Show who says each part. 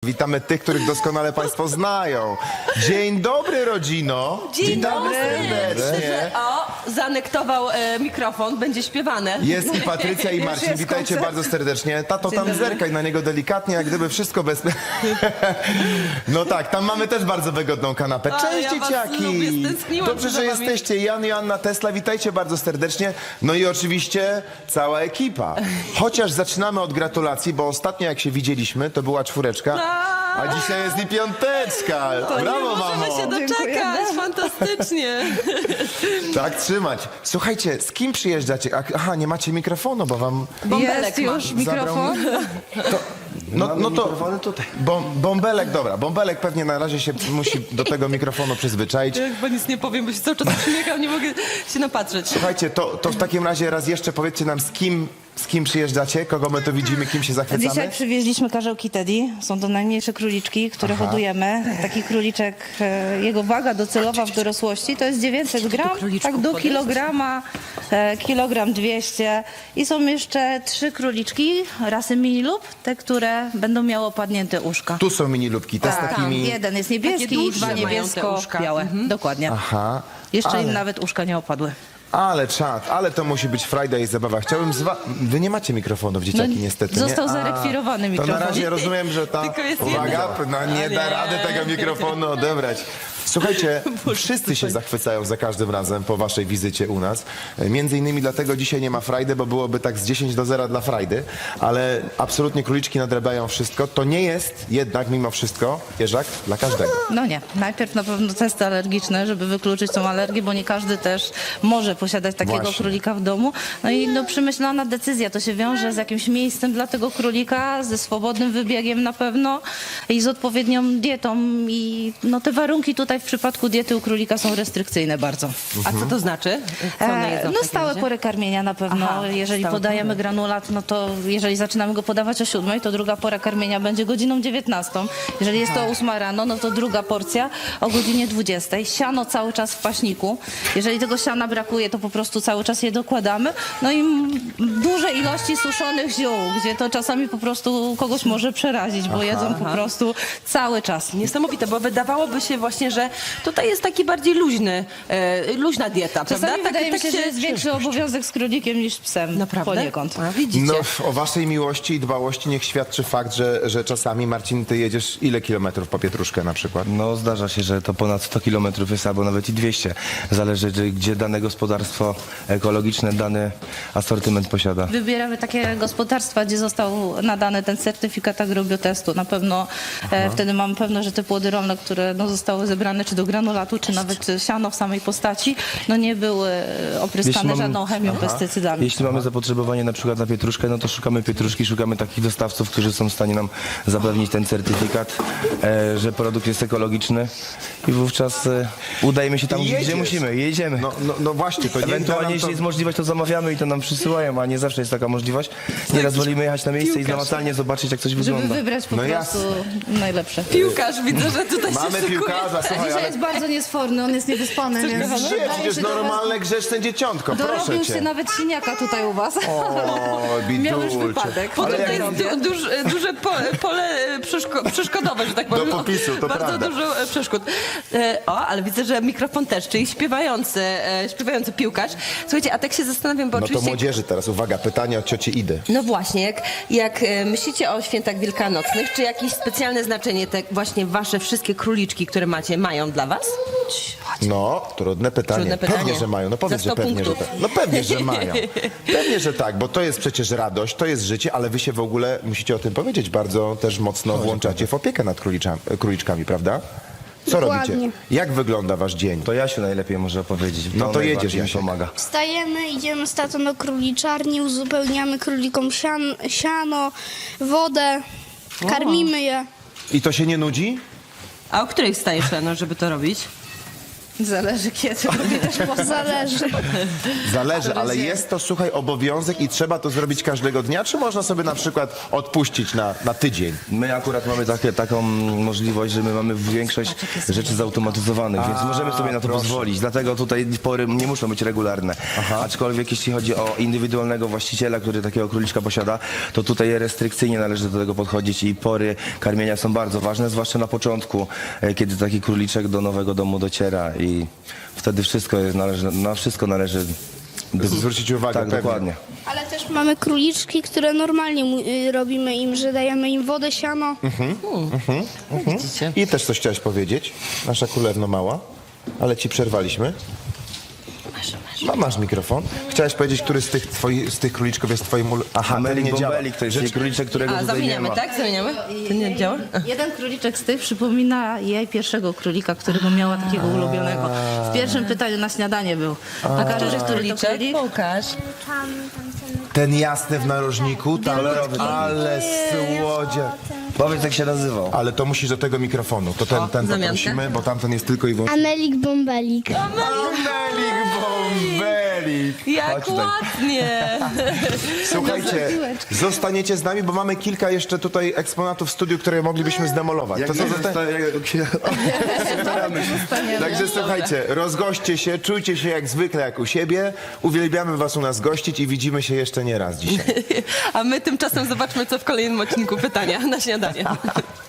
Speaker 1: Witamy tych, których doskonale Państwo znają. Dzień dobry, rodzino.
Speaker 2: Dzień dobry.
Speaker 1: Serdecznie.
Speaker 2: O, zaanektował mikrofon, będzie śpiewane.
Speaker 1: Jest i Patrycja, i Marcin.
Speaker 2: jest
Speaker 1: Witajcie
Speaker 2: koncert.
Speaker 1: bardzo serdecznie. Tato, tam
Speaker 2: dobry.
Speaker 1: zerkaj na niego delikatnie, jak gdyby wszystko bez... No tak, tam mamy też bardzo wygodną kanapę.
Speaker 2: Ale
Speaker 1: Cześć,
Speaker 2: ja was
Speaker 1: dzieciaki.
Speaker 2: lubię, stęskniłam
Speaker 1: Dobrze,
Speaker 2: za
Speaker 1: że
Speaker 2: wami.
Speaker 1: jesteście. Jan i Joanna Tesla, witajcie bardzo serdecznie. No i oczywiście cała ekipa. Chociaż zaczynamy od gratulacji, bo ostatnio jak się widzieliśmy, to była 4, a dzisiaj jest i 5.
Speaker 2: To
Speaker 1: Brawo,
Speaker 2: nie możemy
Speaker 1: mamo.
Speaker 2: się doczekać, fantastycznie.
Speaker 1: Tak trzymać. Słuchajcie, z kim przyjeżdżacie? Aha, nie macie mikrofonu, bo wam...
Speaker 2: Bąbelek
Speaker 3: Jest
Speaker 2: ma.
Speaker 3: już mikrofon.
Speaker 1: No to bąbelek, dobra. Bąbelek pewnie na razie się musi do tego mikrofonu przyzwyczaić.
Speaker 2: Ja chyba nic nie powiem, bo się cały czas uśmiecham, nie mogę się napatrzeć.
Speaker 1: Słuchajcie, to w takim razie raz jeszcze powiedzcie nam, z kim przyjeżdżacie, kogo my tu widzimy, kim się zachwycamy.
Speaker 3: Dzisiaj przywieźliśmy karzełki Teddy. Są to najmniejsze króliczki, które hodujemy. Taki króliczek, jego waga docelowa w dorosłości to jest 900 gram,
Speaker 2: króliczków
Speaker 3: tak do
Speaker 2: podejść?
Speaker 3: kilograma, kilogram 200. I są jeszcze 3 króliczki rasy mini lub, te, które będą miały opadnięte uszka.
Speaker 1: Tu są mini lubki, te z
Speaker 3: Tak,
Speaker 1: takimi...
Speaker 3: jeden jest niebieski
Speaker 2: Takie
Speaker 3: i
Speaker 2: dłuższe
Speaker 3: 2
Speaker 2: mają te
Speaker 3: niebiesko-białe.
Speaker 2: uszka.
Speaker 3: Dokładnie.
Speaker 1: Aha.
Speaker 3: Jeszcze im nawet uszka nie opadły.
Speaker 1: Ale czad, ale to musi być frajda i zabawa. Chciałbym Wy nie macie mikrofonów, dzieciaki, niestety, nie?
Speaker 3: Został zarekwirowany
Speaker 1: To
Speaker 3: mikrofon.
Speaker 1: na razie rozumiem, że ta...
Speaker 2: Tylko jest
Speaker 1: Uwaga, no nie da rady tego mikrofonu odebrać. Słuchajcie, wszyscy się zachwycają za każdym razem po waszej wizycie u nas. Między innymi dlatego dzisiaj nie ma frajdy, bo byłoby tak z 10 do 0 dla frajdy, ale absolutnie króliczki nadrabiają wszystko. To nie jest jednak mimo wszystko, Jerzak, dla każdego.
Speaker 3: No nie. Najpierw na pewno testy alergiczne, żeby wykluczyć tą alergię, bo nie każdy też może posiadać takiego
Speaker 1: Właśnie.
Speaker 3: królika w domu. No i przemyślana decyzja. To się wiąże z jakimś miejscem dla tego królika, ze swobodnym wybiegiem na pewno i z odpowiednią dietą. I te warunki tutaj w przypadku diety u królika są restrykcyjne bardzo.
Speaker 2: A co to znaczy? Co one jedzą w
Speaker 3: No
Speaker 2: takim
Speaker 3: stałe
Speaker 2: razie?
Speaker 3: pory karmienia na pewno.
Speaker 2: Aha,
Speaker 3: jeżeli
Speaker 2: stałe
Speaker 3: podajemy
Speaker 2: pory.
Speaker 3: granulat, no to jeżeli zaczynamy go podawać o 7, to druga pora karmienia będzie godziną 19. Jeżeli jest to 8 rano, no to druga porcja o godzinie 20. Siano cały czas w paśniku. Jeżeli tego siana brakuje, to po prostu cały czas je dokładamy. No i duże ilości suszonych ziół, gdzie to czasami po prostu kogoś może przerazić, bo jedzą po prostu cały czas.
Speaker 2: Niesamowite, bo wydawałoby się właśnie, że tutaj jest taki bardziej luźna dieta,
Speaker 3: Czasami
Speaker 2: prawda?
Speaker 3: wydaje mi się, że jest większy obowiązek z królikiem niż z psem.
Speaker 2: Naprawdę?
Speaker 3: Poniekąd.
Speaker 2: A, widzicie?
Speaker 1: No, o waszej miłości i dbałości niech świadczy fakt, że czasami, Marcin, ty jedziesz ile kilometrów po pietruszkę na przykład?
Speaker 4: No zdarza się, że to ponad 100 km jest albo nawet i 200. Zależy, gdzie dane gospodarstwo ekologiczne dany asortyment posiada.
Speaker 3: Wybieramy takie gospodarstwa, gdzie został nadany ten certyfikat agrobiotestu. Na pewno wtedy mamy pewność, że te płody rolne, które zostały zebrane czy do granulatu, czy nawet siano w samej postaci, nie były opryskane żadną chemią, pestycydami.
Speaker 4: Jeśli mamy zapotrzebowanie na przykład na pietruszkę, no to szukamy pietruszki, szukamy takich dostawców, którzy są w stanie nam zapewnić ten certyfikat, że produkt jest ekologiczny i wówczas udajemy się tam,
Speaker 1: Jedziesz.
Speaker 4: gdzie musimy, jedziemy.
Speaker 1: No właśnie, to
Speaker 4: Ewentualnie, jeśli jest możliwość, to zamawiamy i to nam przysyłają, a nie zawsze jest taka możliwość. Nieraz wolimy jechać na miejsce i namacalnie zobaczyć, jak coś
Speaker 3: Żeby
Speaker 4: wygląda.
Speaker 3: wybrać po
Speaker 1: No
Speaker 3: prostu najlepsze.
Speaker 2: Piłkarz, widzę, że tutaj się
Speaker 1: Mamy
Speaker 2: szykuje.
Speaker 1: piłkarza, słuchaj,
Speaker 3: Dzisiaj
Speaker 1: ale...
Speaker 3: jest bardzo niesforny, on jest niewyspany, więc
Speaker 1: Gdzie?
Speaker 3: wydaje
Speaker 1: Przecież
Speaker 3: się, że
Speaker 1: normalne grzeczne dzieciątko, proszę
Speaker 3: dorobił się
Speaker 1: cię.
Speaker 3: nawet siniaka tutaj u was.
Speaker 1: O,
Speaker 3: Miał już
Speaker 1: bidulcze.
Speaker 3: wypadek.
Speaker 2: Potem
Speaker 1: Ale
Speaker 2: to
Speaker 1: jak...
Speaker 2: jest duże pole przeszkodowe, że tak powiem.
Speaker 1: Do popisu, to
Speaker 2: bardzo
Speaker 1: prawda.
Speaker 2: dużo przeszkód. Ale widzę, że mikrofon też, czyli śpiewający piłkarz. Słuchajcie, a tak się zastanawiam, bo
Speaker 1: No to
Speaker 2: oczywiście...
Speaker 1: młodzieży teraz, uwaga, pytanie od cioci Idy.
Speaker 2: No właśnie, jak myślicie o świętach wielkanocnych, czy jakieś specjalne znaczenie te właśnie wasze wszystkie króliczki, które macie, mają dla was?
Speaker 1: No, trudne pytanie.
Speaker 2: Trudne pytanie.
Speaker 1: Pewnie, że mają. No powiedz,
Speaker 2: Za
Speaker 1: że
Speaker 2: 100
Speaker 1: pewnie, że
Speaker 2: punktów.
Speaker 1: tak. No pewnie, że mają. Pewnie, że tak, bo to jest przecież radość, to jest życie, ale wy się w ogóle, musicie o tym powiedzieć, bardzo też mocno włączacie w opiekę nad króliczkami, prawda? Co
Speaker 5: Dokładnie.
Speaker 1: robicie? Jak wygląda wasz dzień?
Speaker 4: To Jasiu najlepiej może opowiedzieć.
Speaker 1: No to
Speaker 4: najbardziej
Speaker 1: jedziesz,
Speaker 4: mi
Speaker 1: Jasiek.
Speaker 4: pomaga.
Speaker 5: Wstajemy, idziemy z tatą do króliczarni, uzupełniamy królikom siano, wodę, karmimy je.
Speaker 1: I to się nie nudzi?
Speaker 2: A o której wstajesz rano, żeby to robić?
Speaker 3: Zależy kiedy, lubię też
Speaker 5: Zależy.
Speaker 1: Zależy, ale jest to, słuchaj, obowiązek i trzeba to zrobić każdego dnia, czy można sobie na przykład odpuścić na tydzień?
Speaker 4: My akurat mamy taką możliwość, że my mamy większość rzeczy zautomatyzowanych, więc możemy sobie na to pozwolić. Dlatego tutaj pory nie muszą być regularne. Aczkolwiek jeśli chodzi o indywidualnego właściciela, który takiego króliczka posiada, to tutaj restrykcyjnie należy do tego podchodzić i pory karmienia są bardzo ważne, zwłaszcza na początku, kiedy taki króliczek do nowego domu dociera i wtedy na wszystko należy
Speaker 1: Zwrócić uwagę,
Speaker 4: Tak,
Speaker 1: pewnie.
Speaker 4: dokładnie.
Speaker 5: Ale też mamy króliczki, które normalnie robimy im, że dajemy im wodę, siano.
Speaker 2: Widzicie?
Speaker 1: I też coś chciałaś powiedzieć, nasza królewno mała, ale ci przerwaliśmy. Masz mikrofon. Chciałaś powiedzieć, który z tych króliczków jest twoim Aha, ten
Speaker 4: Melik
Speaker 1: nie działa.
Speaker 4: Bombelik to jest króliczek, którego
Speaker 2: A,
Speaker 4: tutaj nie
Speaker 2: zamieniamy,
Speaker 4: ma.
Speaker 2: tak? Zamieniamy? To nie działa?
Speaker 3: Jeden króliczek z tych przypomina jej pierwszego królika, którego miała takiego ulubionego. W pierwszym pytaniu na śniadanie był. A który to
Speaker 2: Króliczek?
Speaker 3: królik?
Speaker 2: Pokaż.
Speaker 1: Ten jasny w narożniku, tam, ale słodzie.
Speaker 4: Powiedz, jak się nazywał.
Speaker 1: Ale to musisz do tego mikrofonu, to ten
Speaker 2: zamiankę.
Speaker 1: poprosimy, bo tamten jest tylko i wyłącznie...
Speaker 5: Amelik Bombelik.
Speaker 1: Amelik Bombelik!
Speaker 2: Jak
Speaker 4: Chodź tutaj.
Speaker 2: ładnie!
Speaker 1: Słuchajcie, zostaniecie z nami, bo mamy kilka jeszcze tutaj eksponatów w studiu, które moglibyśmy zdemolować. To co Także słuchajcie, rozgośćcie się, czujcie się jak zwykle, jak u siebie. Uwielbiamy was u nas gościć i widzimy się jeszcze nie raz dzisiaj.
Speaker 2: A my tymczasem zobaczmy, co w kolejnym odcinku pytania na śniadanie.